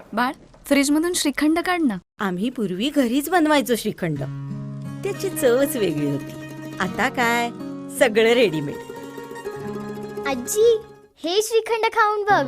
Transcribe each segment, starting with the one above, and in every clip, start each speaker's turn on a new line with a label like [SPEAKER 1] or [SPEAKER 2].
[SPEAKER 1] बाळ, फ्रीज मधून श्रीखंड काढ ना.
[SPEAKER 2] आम्ही पूर्वी घरीच बनवायचो श्रीखंड. त्याची चवच वेगळी होती. आता काय सगळं रेडीमेड.
[SPEAKER 3] आजी, हे श्रीखंड खाऊन बघ.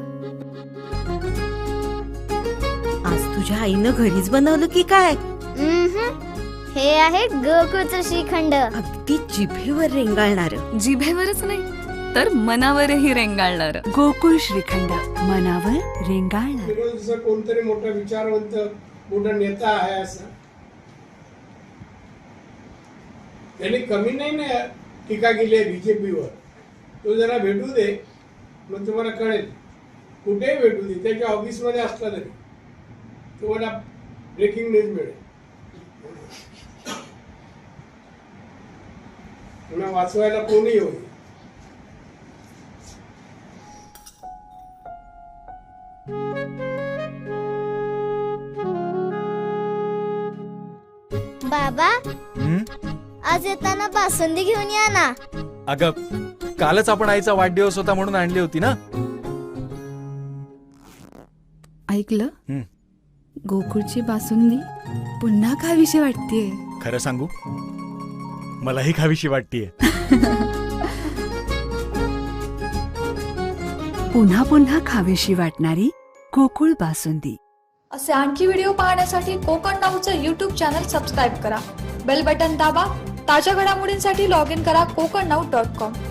[SPEAKER 2] आज तुझ्या आईनं घरीच बनवलं की काय?
[SPEAKER 3] हे आहे गोकुळचं श्रीखंड.
[SPEAKER 2] अगदी जिभेवर रेंगाळणार.
[SPEAKER 1] जिभेवरच नाही तर मनावरही रेंगाळणार.
[SPEAKER 4] गोकुळ श्रीखंड, मनावर रेंगाळणार.
[SPEAKER 5] जसं कोणतरी मोठा विचारवंत मोठा नेता आहे असं त्यांनी कमी नाही ना टीका केली आहे बीजेपीवर. तो जरा भेटू दे, मग तुम्हाला कळेल. कुठेही भेटू दे, त्याच्या ऑफिसमध्ये असला तरी तुम्हाला ब्रेकिंग न्यूज मिळेल. पुन्हा वाचवायला कोणी होईल.
[SPEAKER 3] बाबा, आज येताना बासुंदी घेऊन या ना.
[SPEAKER 6] अगं, कालच आपण आईचा वाढदिवस होता म्हणून आणली होती ना.
[SPEAKER 4] ऐकलं? गोकुळची बासुंदी पुन्हा खावीशी वाटतेय.
[SPEAKER 6] खरं सांगू, मलाही खावीशी वाटतेय.
[SPEAKER 4] पुन्हा पुन्हा खावीशी वाटणारी गोकुळ बासुंदी.
[SPEAKER 7] असे आणखी व्हिडिओ पाहण्यासाठी कोकण नाऊचं यूट्यूब चॅनल सबस्क्राईब करा. बेल बटन दाबा. ताज्या घडामोडींसाठी लॉग इन करा kokarnau.com.